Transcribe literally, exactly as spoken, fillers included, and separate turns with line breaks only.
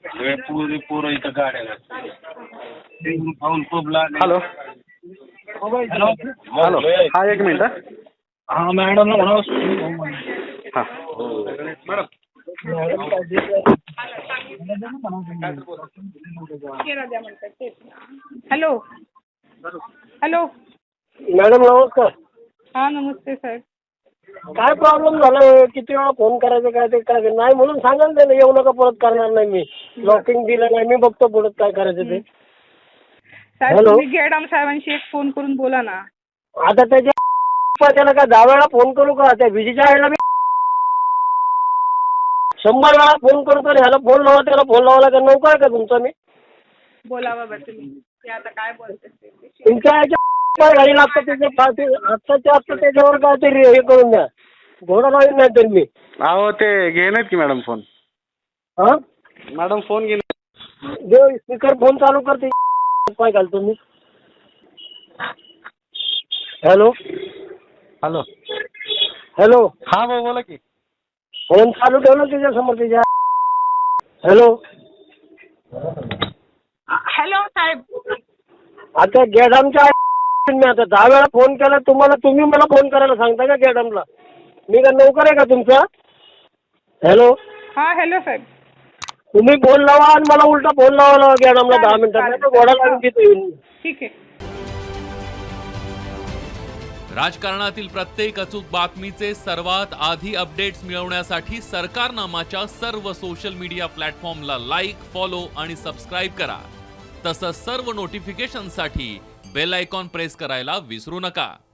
सगळे पोरी पोरं इथं गाड्या घालतात. पाऊल खूप लागले.
हॅलो
हॅलो
हॅलो हा एक मिनिट हा.
हा मॅडम म्हणा.
हा
हॅलो हॅलो
मॅडम नमस्कार.
हा नमस्ते साहेब.
काय प्रॉब्लेम झाला? किती वेळा फोन करायचं काय ते काय नाही म्हणून सांगाल ते येऊ नका परत करणार नाही मी. लॉकिंग दिलं नाही मी बघतो पुढे काय करायचं ते.
साहेब
हॅलो.
तुम्ही गेडाम साहेबांशी एक फोन करून बोला ना.
आता त्याच्या त्याला काय दहा वेळा फोन करू का? त्या विजेच्या आईला मी शंभर वेळा फोन करतो. ह्याला फोन लावा त्याला फोन लावायला का नौका आहे का तुमचा मी?
बोला बाबा तुम्ही ते आता काय बोलते ते.
तुमच्या ह्याच्या गाडी लागतं त्याच्या फाटी आत्ताच्या आत्ता त्याच्यावर काहीतरी हे करून द्या. घोडा लावून नाही तर मी.
अहो ते घेणार की मॅडम फोन.
हा
मॅडम फोन घेणार.
देव स्पीकर फोन चालू करते. काय घालतो मी. हॅलो
हॅलो
हॅलो
हा भाऊ बोला की.
फोन चालू ठेव ना त्याच्या समोर त्याच्या. हॅलो
हॅलो साहेब.
आता गेडामच्या मी आता दहा वेळा फोन केला तुम्हाला. तुम्ही मला फोन करायला सांगता का गेडामला? मी का नोकर आहे का तुमचा? हॅलो
हा हॅलो साहेब.
तुम्ही फोन लावा आणि मला उलटा फोन लावा गेडामला दहा
चालेल,
मिनिटात.
चालेल.
नाही तर घोडा लावून तिथे येऊन.
ठीक आहे.
राजकारणातील प्रत्येक अचूक बातमीचे सर्वात आधी अपडेट्स मिळवण्यासाठी सरकारनामाच्या सर्व सोशल मीडिया प्लॅटफॉर्मला लाईक, फॉलो आणि सबस्क्राईब करा. तसंच सर्व नोटिफिकेशनसाठी बेल आयकॉन प्रेस करायला विसरू नका.